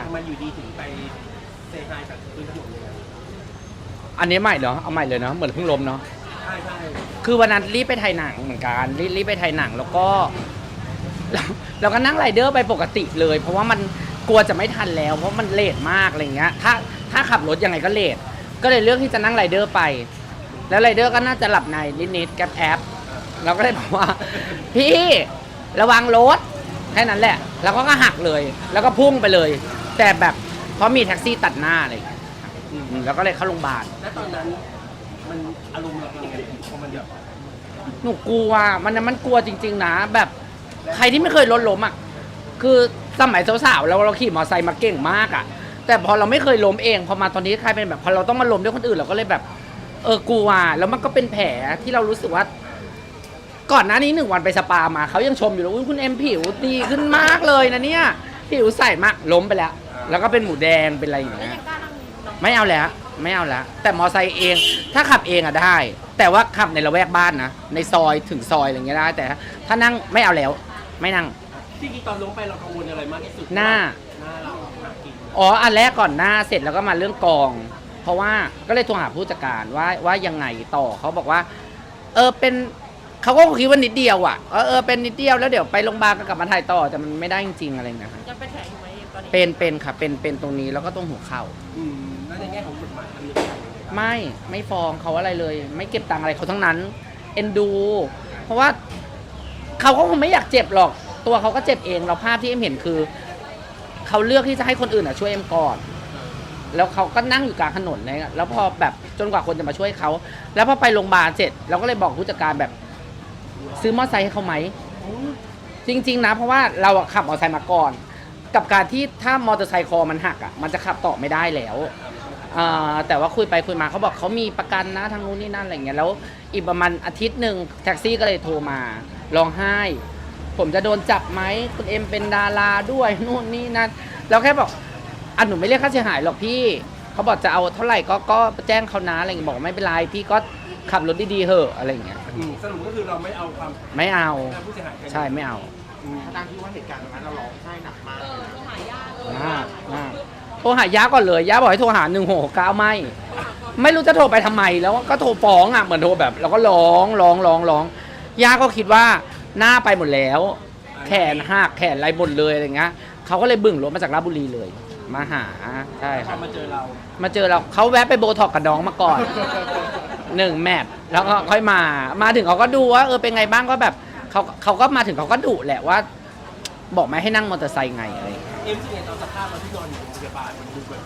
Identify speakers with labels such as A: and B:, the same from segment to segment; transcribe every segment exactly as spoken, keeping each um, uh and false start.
A: ำไมอยู่ดีถึงไปเซฮายกับพื้นถนนเลย
B: อันนี้ใหม่เหรอเอาใหม่เลยเนาะเหมือนเพิ่งล้มเนาะ
A: ใช่ใช่
B: คือวันนั้นรีบไปถ่ายหนังเหมือนกันรีบรีบไปถ่ายหนังแล้วก็เราเราก็นั่งไรเดอร์ไปปกติเลย เพราะว่ามันกลัวจะไม่ทันแล้ว เพราะมันเลทมากอะไรเงี้ยถ้าถ้าขับรถยังไงก็เลทก็เลยเลือกที่จะนั่งไรเดอร์ไป แล้วไรเดอร์ก็น่าจะหลับในนิดๆแกร็บแอปเราก็เลยบอกว่า พี่ระวังรถแค่นั้นแหละ แล้วก็หักเลย แล้วก็พุ่งไปเลย แต่แบบเพราะมีแท็กซี่ตัดหน้าอะไรอย่างเงี้ยอืมแล้วก็เลยเข้าโรงพยาบาล
A: แล้วตอนนั้นมันอารมณ์เราเป็นยังไงพอมันแบบ
B: หนูกลัวมันมันกลัวจริงๆนะแบบใครที่ไม่เคยรถล้มอ่ะคือสมัยสาวๆเราเราขี่มอเตอร์ไซค์มาเก่งมากอ่ะแต่พอเราไม่เคยล้มเองพอมาตอนนี้ใครเป็นแบบพอเราต้องมาล้มด้วยคนอื่นเราก็เลยแบบเออกลัวแล้วมันก็เป็นแผลที่เรารู้สึกว่า ก่อนหน้านี้หนึ่งวันไปสปามาเขายังชมอยู่เลยอุ๊ยคุณเอ็มผิวดีขึ้นมากเลยนะเนี่ยผิวใสมากล้มไปแล้ว แล้วก็เป็นหมูแดงเป็นอะไรอย่างเงี้ยไม่เอาแล้วไม่เอาแล้วแต่มอไซค์เองถ้าขับเองอะได้ แต่ว่าขับในละแวกบ้านนะในซอยถึงซอยอะไรเงี้ยได้แต่ถ้านั่งไม่เอาแล้วไม่นั่ง
A: ที่จริงตอนลงไปเรากังวลอะไรมากที่สุด
B: หน้า
A: หน้าเราหนักกิน
B: อ๋ออันแรกก่อนหน้าเสร็จแล้วก็มาเรื่องกอง เพราะว่าก็เลยโทรหาผู้จัดการว่าว่ายังไงต่อเขาบอกว่า เออเป็นเขาก็คิดว่านิดเดียวอ่ะเออเออเป็นนิดเดียวแล้วเดี๋ยวไปโรงพยาบาลก็กลับมาถ่ายต่อแต่มันไม่ได้จริงๆอะไรนะครับ
C: จะเป็นแผลอยู่ไหมตอนนี้
B: เป็นเป็นค่ะเป็นเป็นตรงนี้แล้วก็ตรงหัวเข่า
A: อืมแล้วในแง่ของกฎหมายมันมี
B: ไม่ไม่ฟ้องเขาอะไรเลย ไม่เก็บตังค์อะไรเขาทั้งนั้นเอ็นดู เพราะว่าเขาก็คงไม่อยากเจ็บหรอก ตัวเขาก็เจ็บเองเราภาพที่เอ็มเห็นคือเขาเลือกที่จะให้คนอื่นอ่ะช่วยเอ็มก่อน แล้วเขาก็นั่งอยู่กลางถนนเลยแล้วพอแบบจนกว่าคนจะมาช่วยเขาแล้วพอไปโรงพยาบาลเสร็จเราก็เลยบอกผู้จัดการแบบซื้อมอเตอร์ไซค์ให้เขาไหมจริงๆนะเพราะว่าเราอะขับมอเตอร์ไซค์มาก่อน กับการที่ถ้ามอเตอร์ไซค์คอมันหักอ่ะมันจะขับต่อไม่ได้แล้วอ่าแต่ว่าคุยไปคุยมาเขาบอกเขามีประกันนะทางนู้นนี่นั่นอะไรเงี้ยแล้วอีกประมาณอาทิตย์หนึ่งแท็กซี่ก็เลยโทรมาร้องไห้ ผมจะโดนจับไหมคุณเอ็มเป็นดาราด้วยนู่นนี่นั่นเราแค่บอกอันหนูไม่เรียกค่าเสียหายหรอกพี่เขาบอกจะเอาเท่าไหร่ก็ก็แจ้งเขานะอะไรเงี้ยบอกไม่เป็นไรพี่ก็ขับรถดีๆเหอะอะไรเงี้ย
A: อืมสรุปก็คือเราไม่เอาความ
B: ไม่เอา
A: ผู้เสียหาย
B: ใช่ไม่เอา
D: ทางที่ว่าเหตุการณ์ตรงนั้นเราร้องไห้หนักมาก
C: เออโทรหาญาติเลย
B: มากมากโทรหาย่าก่อนเลยย่าบอกให้โทรหาหนึ่งหกเก้าไม่ ไม่รู้จะโทรไปทำไมแล้วก็โทรฟ้องอ่ะเหมือนโทรแบบเราก็ร้องร้องร้องร้องย่าก็คิดว่าหน้าไปหมดแล้ว แขนหักแขนอะไรหมดเลยอะไรเงี้ยเขาก็เลยบึ่งรถมาจากราชบุรีเลย มาหาใช่
A: พ
B: ค
A: อ
B: รับ
A: มาเจอเรา
B: มาเจอเราเขาแวะไปโบท็อกกับน้องมาก่อน หนึ่งแมตช์แล้วก็ค่อยมา มาถึงเขาก็ดูว่าเออเป็นไงบ้างก็แบบเขาเขาก็มาถึงเขาก็ดุแหละว่า บอกไม่ให้นั่งมอเตอร์ไซค์ไงอะไรอย่างเงี้ย
A: เอ็มสิ่งไงตอนสภาพเราที่นอนอยู่โรงพยาบาลมันดูแบบ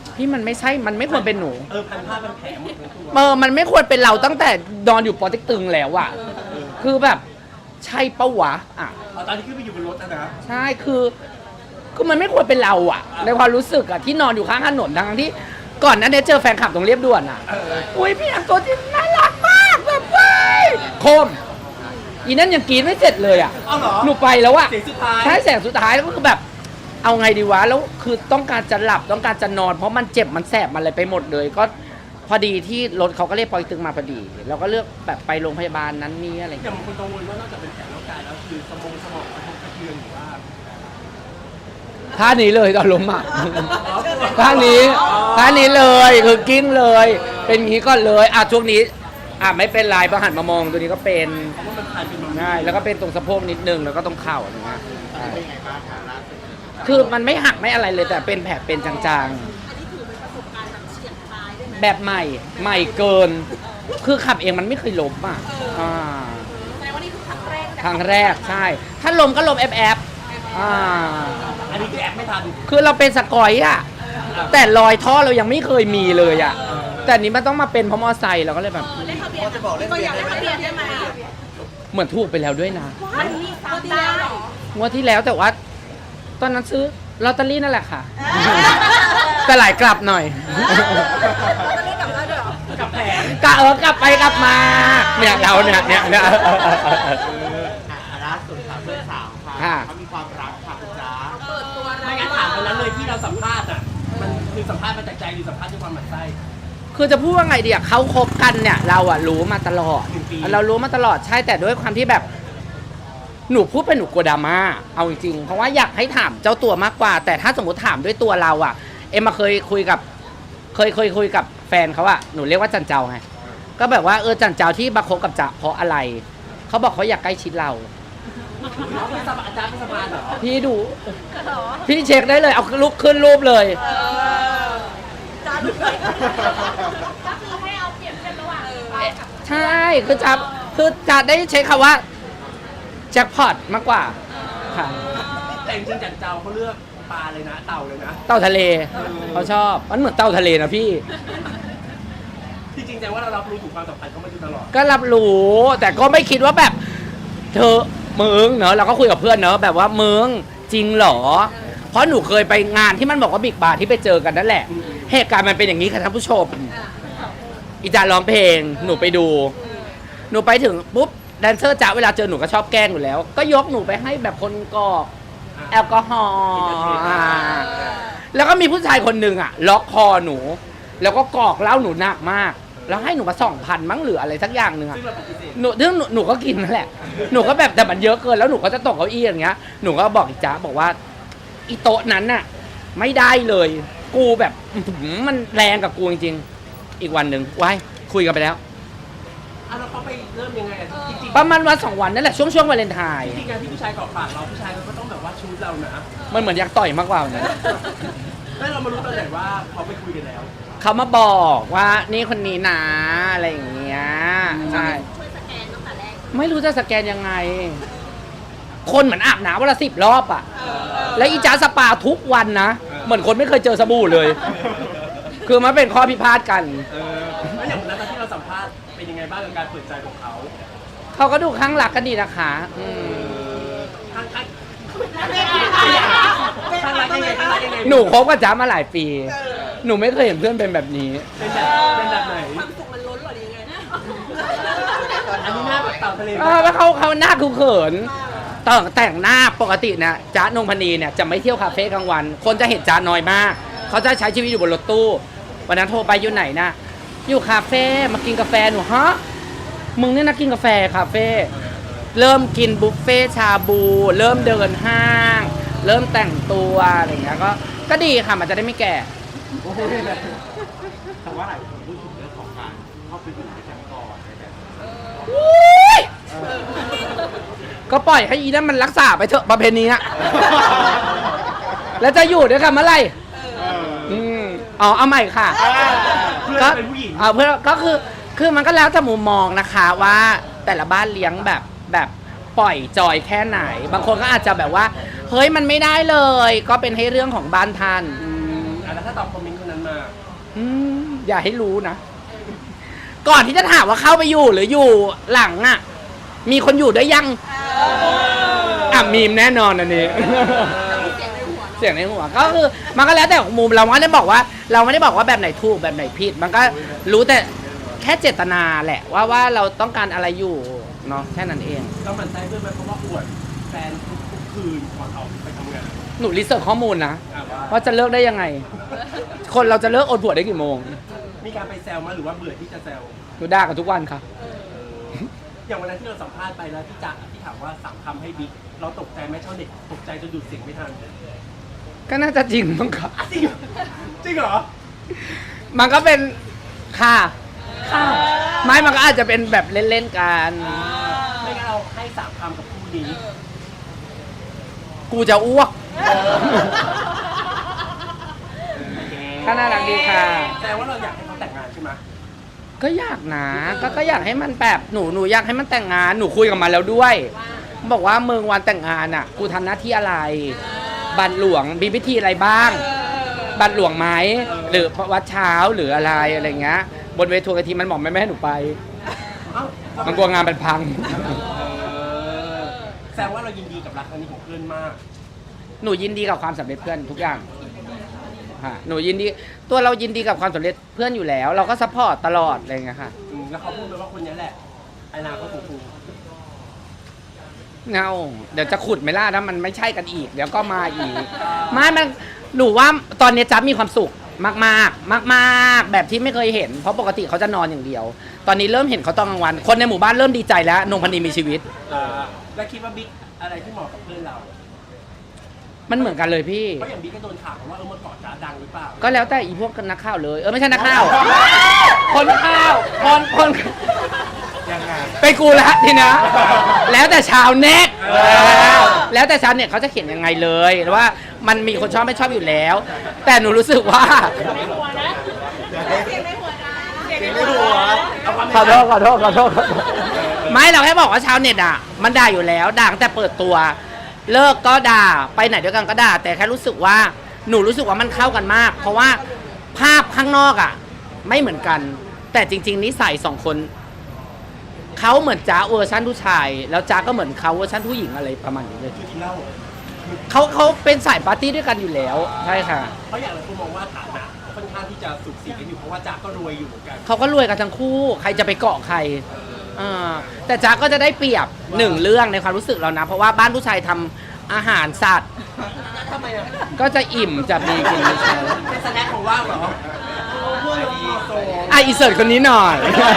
B: พี่มันไม่ใช่มันไม่ควรเป็นหนู
A: เออพันผ้าพันแผลหมดทั้งตัว
B: เออมันไม่ควรเป็นเราตั้งแต่นอนอยู่ปอเต็กตึงแล้วอะคือแบบใช่ปะวะอ่ะ
A: เอาตอนที่ขึ้นไปอยู่บนรถนะนะ
B: ใช่คือคือมันไม่ควรเป็นเราอะในความรู้สึกอะที่นอนอยู่ข้างถนนทั้งที่ก่อนหนั้นเนี่ยเจอแฟนคลับตรงเรียบด่วนอะอุ้ยพี่อังตัวจริงน่ารักมากแบบเว้ยโคมอีนั่นยังกรีดไม่เสร็จเลยอะ
A: เอาเหรอ
B: หนูไปแล้วอะ
A: เสียงสุดท้าย
B: ใช่แสงสุดท้ายแล้วก็คือแบบ เอาไงดีวะแล้วคือต้องการจะหลับต้องการจะนอน เพราะมันเจ็บมันแสบมันอะไรไปหมดเลย ก็พอดีที่รถเขาก็เรียกปอยตึงมาพอดีเราก็เลือกแบบไปโรงพยาบาลนั้นนี้อะไรอย่าง
A: อย่า
B: เงี้ย
A: งบางคนกังวลว่านอกจากเป็นแผลร่างกายแล้วคือสมองสมองกระทบกระเทือนหรือว่า
B: ท่านี้เลยตอนล้มอ่ะ ท่านี้ท่านี้เลยคือกิ้งเลย เป็นอย่างนี้ก็เลยอ่ะช่วงนี้อ่ะไม่เป็นไรพอหันมามองตัวนี้ก็เป็น
A: เพราะว่ามันผ่านเป็นมา
B: ง่ายแล้วก็เป็นตรงสะโพกนิดนึงแล้วก็ตรงเข่าอะไรเงี้ยใช่
D: เป็นไงบ้างคะล่าสุด
B: คือมันไม่หักไม่อะไรเลยแต่เป็นแผลเป็นจาง
C: อันนี้ถือเป็นประสบการณ์แบบเฉียดตายได้ไหม
B: ๆ แบบใหม่ใหม่เกิน คือขับเองมันไม่เคยล้มอ่ะอ่า
C: แสดงว่านี่คือครั้งแรก
B: ครั้งแรกใช่ ถ้าล้มก็ล้มแอบแอบอ่า
A: อันนี้คือแอบไม่ทัน
B: คือเราเป็นสกอยอ่ะแต่รอยท่อเรายังไม่เคยมีเลยอ่ะแต่อันนี้มันต้องมาเป็นเพราะมอไซค์เราก็เลยแบบ
C: เล่นทะเบียนจะบอกเล่นทะเบียนได้ไหมเล่นทะเบียนได้ไหม
B: เหมือนถูกไปแล้วด้วยนะ
C: มันมีซ้ำได้เหรอง
B: วดที่แล้วแต่ว่า ตอนนั้นซื้อลอตเตอรี่นั่นแหละค่ะ แต่หลายกลับหน่อย
C: จะเล่นกับเราด้วยเหรอ
A: กับแผล
B: กะเออกลับไปกลับมา เนี่ยเราเนี่ยเนี่ยเนี่ย
D: อ่ะล่าสุดค่ะเพื่อนสาวค่ะ
B: ค่ะ
D: เขามีความรักค่ะคุณจ๊ะ
C: เปิดตัว
A: ไม่งั้นถามคนนั้นเลยที่เราสัมภาษณ์อ่ะมันคือสัมภาษณ์มาจากใจหรือสัมภาษณ์ด้วยความหมั่นไส้
B: คือจะพูดว่าไงดีอะเขาคบกันเนี่ย เราอะรู้มาตลอด
A: หนึ่งปี
B: เรารู้มาตลอดใช่แต่ด้วยความที่แบบหนูพูดไปหนูกลัวดราม่าเอาจริงๆเพราะว่าอยากให้ถามเจ้าตัวมากกว่า แต่ถ้าสมมติถามด้วยตัวเราอ่ะ เอ็มมาเคยคุยกับ เคยเคยคุยกับแฟนเขาอะหนูเรียกว่าจันเจ้าไงก็แบบว่าเออจันเจ้าที่มาคบกับจ๊ะเพราะอะไรเขาบอกเขาอยากใกล้ชิดเรา
A: เขาเป็นสบายอาจารย์เป็นสบายเหรอ
B: พี่ดู พี่เช็คได้เลยเอาลุกขึ้นรูปเลย
C: จ้าดูไป
E: ก็คือให้เอาเปรียบเทียบระหว่างเรากับ
B: ใช่คือจะคือจะได้ใช้คำว่าแจ็คพอตมากกว่าค่ะ
A: แต่จริงๆจันเจ้าเขาเลือกปลาเลยนะเต่าเลยนะ
B: เต่าทะเลเขาชอบมันเหมือนเต่าทะเลนะพี่
A: จริงๆแต่ว่าเรารับรู้ถึงความสัมพันธ์เขามาอยู่ตลอด
B: ก็รับรู้แต่ก็ไม่คิดว่าแบบ เธอมึงเนอะเราก็คุยกับเพื่อนเนอะแบบว่ามึงจริงเหรอ เพราะหนูเคยไปงานที่มันบอกว่าบิ๊กบาร์ที่ไปเจอกันนั่นแหละ เหตุการณ์มันเป็นอย่างนี้ค่ะท่านผู้ชม อีจาร้องเพลงหนูไปดู หนูไปถึงปุ๊บแดนเซอร์จ๋าเวลาเจอหนูก็ชอบแกล้งอยู่แล้ว ก็ยกหนูไปให้แบบคนกรอกแอลกอฮอล์อ่าแล้วก็มีผู้ชายคนหนึ่งอ่ะ ล็อกคอหนู แล้วก็กรอกเหล้าหนูหนักมาก แล้วให้หนูมาสองพันมั้งหรืออะไรสักอย่างหนึ่งอ่ะ
A: ซึ่งเราปฏิเสธ
B: หนูซึ่งหนูหนูก็กินนั่นแหละ หนูก็แบบแต่มันเยอะเกินแล้วหนูก็จะตกเก้าอี้อย่างเงี้ย หนูก็บอกอีจ๊ะบอกว่าอีโต๊ะนั้นน่ะ ไม่ได้เลย กูแบบอื้อหือมันแรงกับกูจริงๆ อีกวันหนึ่งว้ายคุยกันไปแล้ว
A: อ่ะแล้วเขาไปเริ่มยังไงอ่ะจริงๆ
B: ประมาณวันสองวันนั่นแหละช่วงช่วงวาเลนไทน์
A: จริงๆการที่ผู้ชายเกาะปากเราผู้ชายเขาก็ต้องแบบว่าชูดเรานะ
B: มันเหมือนอยากต่อยมากกว่านะ
A: แล้วเรามารู้ตอนไหนว่าเขาไปคุยกันแล้ว
B: เขามาบอกว่านี่คนนี้นะอะไรอย่างเงี้ยใช่
C: ช่วยสแกนตั้งแต่แรก
B: ไม่รู้จะสแกนยังไง คนเหมือนอาบน้ำวันละสิบรอบอ่ะ แล้วอีจ้าสปาทุกวันนะ เหมือนคนไม่เคยเจอสบู่เลย คือมันเป็นข้อพิพาทกัน
A: เออแล้วอย่างวันนั้นตอนที่เราสัมภาษณ์เป็นยังไงบ้างกับการเปิดใจของเขา
B: เขาก็ดูข้างหลักกันดีนะคะอืม
A: ข้างข้างข้างรักยังไงข้างรักยังไง
B: หนูคบกับจ้ามาหลายปี หนูไม่เคยเห็นเพื่อนเป็นแบบนี้
A: เป็นแบบเป็นแบบไหน
C: ความสุขมันล้นหรือยังไงนะ
A: อันนี้หน้าแบบเต่าทะเล
B: เออแล้วเขาเขาหน้าคือเขินแต่งแต่งหน้าปกตินะจ๊ะนงพนีเนี่ยจะไม่เที่ยวคาเฟ่กลางวัน คนจะเห็นจ๊ะน้อยมาก เขาจะใช้ชีวิตอยู่บนรถตู้ วันนั้นโทรไปอยู่ไหนนะอยู่คาเฟ่มากินกาแฟหนูฮะมึงเนี่ยนะกินกาแฟคาเฟ่เริ่มกินบุฟเฟ่ชาบู เริ่มเดินห้าง เริ่มแต่งตัวอะไรอย่างเงี้ยก็ก็ดีค่ะมันจะได้ไม่แก่
A: โอ้โห
D: แต่ว่าหลายคนพูดถึงเรื่องของการเข้าไปอยู่ด้วยกันก่อนอะไรแบบนี้
B: อุ๊ยก็ปล่อยให้อีนั่นมันรักษาไปเถอะประเพณีอะแล้วจะอยู่ด้วยกันเมื่อไหร่อืมอ๋อเอาใหม่ค่ะ
A: เพื่อน
B: ก็
A: เป็นผู้หญิง
B: เอาเพื่อนก็คือคือมันก็แล้วแต่มุมมองนะคะว่าแต่ละบ้านเลี้ยงแบบแบบปล่อยจอยแค่ไหน บางคนก็อาจจะแบบว่าเฮ้ยมันไม่ได้เลย ก็เป็นให้เรื่องของบ้านท่าน
A: อืมอ่ะแล้วถ้าตอบคอมเมนต์คนนั้นมา
B: อืมอย่าให้รู้นะ ก่อนที่จะถามว่าเข้าไปอยู่หรืออยู่หลังอ่ะ มีคนอยู่ด้วยยังอ่ะมีมแน่นอนอันนี้ เสียงในหัวก็คือมันก็แล้วแต่มุมเราไม่ได้บอกว่า เราไม่ได้บอกว่าแบบไหนถูกแบบไหนผิด มันก็รู้แต่แค่เจตนาแหละ ว่าว่าเราต้องการอะไรอยู่เนาะแค่นั้นเอง
A: เราหมั่นใจเพื่อนไหมเพราะว่าอวดแฟนทุกๆคืนก่อนออกไปทำงาน
B: หนูรีเสิร์ชข้อมูลนะ
A: อ่ะว่า
B: ว่าจะเลิกได้ยังไง คนเราจะเลิกอดผัวได้กี่โมง
A: มีการไปแซวมาหรือว่าเบื่อที่จะแซว
B: หนูด่ากันทุกวันค่ะ
A: อย่างวันนั้นที่เราสัมภาษณ์ไปแล้วพี่จ๊ะที่ถามว่าสามคำให้บิ๊กเราตกใจไหมชาวเน็ตตกใจจนดูดเสียงไม่ทัน
B: ก็น่าจะจริงมั้งค่ะ
A: จริงเหรอจริงเหรอ
B: มันก็เป็นค่ะค่ะไม่มันก็อาจจะเป็นแบบเล่นๆกัน
A: ไม่งั้นเราให้สามคำกับคู่นี้
B: กูจะอ้วก ก็น่ารักดีค่ะ
A: แต่ว่าเราอยากให้เขาแต่งงานใช่ไหม
B: ก็อยากนะก็ก็อยากให้มันแบบหนูหนูอยากให้มันแต่งงานหนูคุยกับมันแล้วด้วย บอกว่าเมืองวันแต่งงานอ่ะ กูทำหน้าที่อะไร บัตรหลวงมีพิธีอะไรบ้าง บัตรหลวงไหมหรือวัดเช้าหรืออะไรอะไรเงี้ยบนเวทีกะทีมันบอกไม่แม่ให้หนูไป
A: เอ้า
B: มันกลัวงานมันพัง
A: เออแสดงว่าเรายินดีกับรักครั้งนี้ของเพื่อนมาก
B: หนูยินดีกับความสำเร็จเพื่อนทุกอย่างค่ะหนูยินดีตัวเรายินดีกับความสำเร็จเพื่อนอยู่แล้ว เราก็ซัพพอร์ตตลอดอะไรเงี้ยค่ะ
A: อืมแล้วเขาพูดเลยว่าคนนี้แหละอนาคตของกู
B: เงาเดี๋ยวจะขุดไม่ล่านะมันไม่ใช่กันอีก เดี๋ยวก็มาอีกไม่มันหนูว่าตอนนี้จ๊บมีความสุขมากมากมากมากๆแบบที่ไม่เคยเห็นเพราะปกติเขาจะนอนอย่างเดียว ตอนนี้เริ่มเห็นเขาตอนกลางวัน คนในหมู่บ้านเริ่มดีใจแล้วนงพนีมีชีวิต
A: อ่าแล้วคิดว่าบิ๊กอะไรที่เหมาะกับเพื่อนเรา
B: มันเหมือนกันเลยพี่
A: เพราะอย่างบิ๊กก็โดนข่าวว่าเออเมื่อก่อนจ๋าดังหรือเปล่า
B: ก็แล้วแต่อีพวกนักข่าวเลย เออไม่ใช่นักข่าว คนข่าว คนคน
D: ยังไง
B: ไปกูละทีนะ แล้วแต่ชาวเน็ตแล้วแต่ชาวเน็ตเขาจะเขียนยังไงเลยว่ามันมีคนชอบไม่ชอบอยู่แล้ว แต่หนูรู้สึกว่า
E: ในหัวนะเสียงในหัวนะเสียงใน
D: ไม่
E: หั
D: รู้
E: ว
D: วะ
B: ขอโทษขอโทษขอโทษขอโทษไม่เราแค่บอกว่าชาวเน็ตอ่ะ มันด่าอยู่แล้วด่าตั้งแต่เปิดตัว เลิกก็ด่าไปไหนด้วยกันก็ด่า แต่แค่รู้สึกว่าหนูรู้สึกว่ามันเข้ากันมาก เพราะว่าภาพข้างนอกอ่ะ ไม่เหมือนกัน แต่จริง ๆนิสัยสองคนเขาเหมือนจ้าเวอร์ชันผู้ชาย แล้วจ้าก็เหมือนเขาเวอร์ชันผู้หญิงอะไรประมาณนี้เลย
A: คือกินเหล้า
B: เขาเขาเป็นสายปาร์ตี้ด้วยกันอยู่แล้วใช่ค่ะ
A: เพราะอย่างไรคุณมองว่าฐานะค่อนข้างที่จะสุดสีกันอยู่เพราะว่าจ๋าก็รวยอยู่เหมือนกัน
B: เขาก็รวยกันทั้งคู่ ใครจะไปเกาะใครอ่าแต่จ๊ะก็จะได้เปรียบหนึ่งเรื่องในความรู้สึกเรานะ เพราะว่าบ้านผู้ชายทำอาหารสัตว์
A: ทำไมอ่ะ
B: ก็จะอิ่มจะมีกินมีใช้
A: เป็นสแน็คของว่างเหรอเพื่อนเราโซ
B: อ่ะอีเสิร์ตคนนี้หน่อย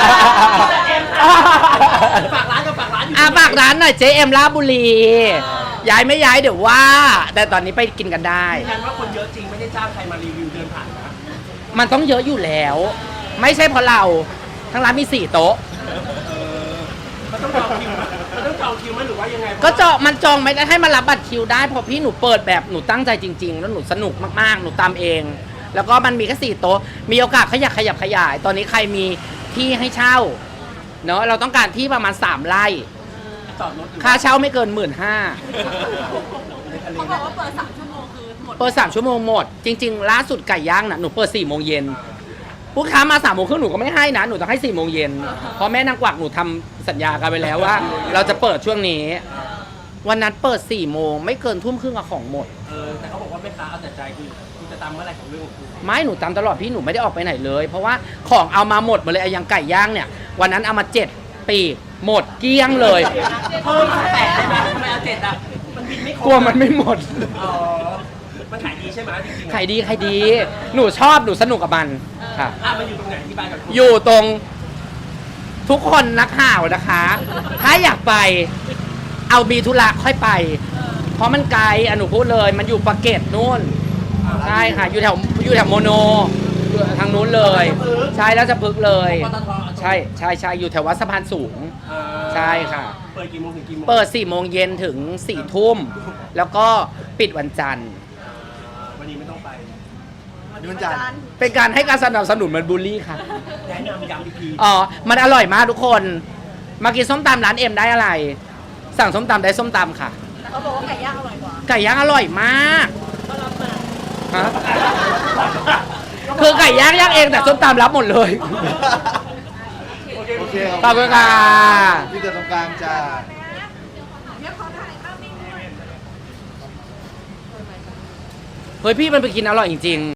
A: ฝากร้านกับฝากร้านอยู่
B: อ่ะฝากร้านหน่อยเจเอ็มลาดบุรี ย้ายไม่ย้ายเดี๋ยวว่า แต่ตอนนี้ไปกินกันได้
A: ยืนยันว่าคนเยอะจริงไม่ได้จ้างใครมารีวิวเดินผ่านนะ
B: มันต้องเยอะอยู่แล้ว ไม่ใช่เพราะเรา ทั้งร้านมีสี่โต๊ะ
A: มันต้องจองคิวไหมมันต้องจองคิวไหมหรือว่ายังไง
B: ก็จองมันจองไม่ได้ให้มารับบัตรคิวได้เพราะพี่หนูเปิดแบบหนูตั้งใจจริง ๆ แล้วหนูสนุกมากๆหนูตามเอง แล้วก็มันมีแค่สี่โต๊ะมีโอกาสขยับขยับขยาย ตอนนี้ใครมีที่ให้เช่าเนาะเราต้องการที่ประมาณสามไร่
A: จอดรถหรือ
B: ค่าเช่าไม่เกินหมื่นห้า
A: ในทะเล
C: เขาบอกว่าเปิดสามชั่วโมงคือหมด
B: เปิดสามชั่วโมงหมด จริง ๆ ล่าสุดไก่ย่างน่ะหนูเปิดสี่โมงเย็นลูกค้ามาสามโมงครึ่งหนูก็ไม่ให้นะหนูต้องให้สี่โมงเย็นเพราะแม่นางกวักหนูทำสัญญากันไปแล้วว่า เราจะเปิดช่วงนี้ วันนั้นเปิดสี่โมงไม่เกินทุ่มครึ่งอะของหมด
A: เออแต่เขาบอกว่าแม่ค้าเอาแต่ใจคือคุณจะตามเมื่อไหร่ของเรื่องของคุณ
B: ไม่หนูตามตลอดพี่หนูไม่ได้ออกไปไหนเลย เพราะว่าของเอามาหมดหมดเลยไอ้อยังไก่ย่างเนี่ย วันนั้นเอามาเจ็ดปีกหมดเกลี้ยงเลย
A: เพิ่มแปดได้ไหมทำไมเอาเจ็ดอ่ะมันบินไม่ครบ
B: กลัวมันไม่หมด
A: อ๋อมันขายดีใช่ไหมจริงๆ
B: ขายดีขายดี หนูชอบหนูสนุกกับมันค่ะ
A: อ่ะมันอยู่ตรงไหนที่บ้านกับคุณ
B: อยู่ตรงทุกคนนักข่าวนะคะ ถ้าอยากไปเอาบีธุระค่อยไป เพราะมันไกลอะหนูพูดเลย มันอยู่ปากเกร็ดนู่นใช่ค่ะ อยู่แถวอยู่แถวโมโนอยู่ทางนู้นเลย ใช่แล้วจะพึกษ์เลย
A: ปตท
B: ใช่ใช่ใช่อยู่แถววัดสะพานสูง
A: เออ
B: ใช่ค่ะ
A: เปิดกี่โมงถึงกี่โมง
B: เปิดสี่โมงเย็นถึงสี่ทุ่ม แล้วก็ปิดวันจันทร์
A: วันนี้ไม่ต้องไป
D: นี่มันจันทร์
B: เป็นการให้การสนับสนุนเหมันบูลลี่ค่ะ
A: แนะนำย้ำอีกที
B: อ๋อ มันอร่อยมากทุกคน มากินส้มตำร้านเอ็มได้อะไร สั่งส้มตำได้ส้มตำค่ะ
C: แต่เขาบอกว่าไก่ย่างอร่อยกว่า
B: ไก่ย่างอร่อยมากฮะคือไก่ย่างย่างเองแต่ส้มตำรับหมดเลย
A: โอเค
D: โอเค
B: ขอบคุณค่ะ
D: พี่เกิดตรงกลางจ้า
B: เฮ้ยพี่มันไปกินอร่อยจริงๆ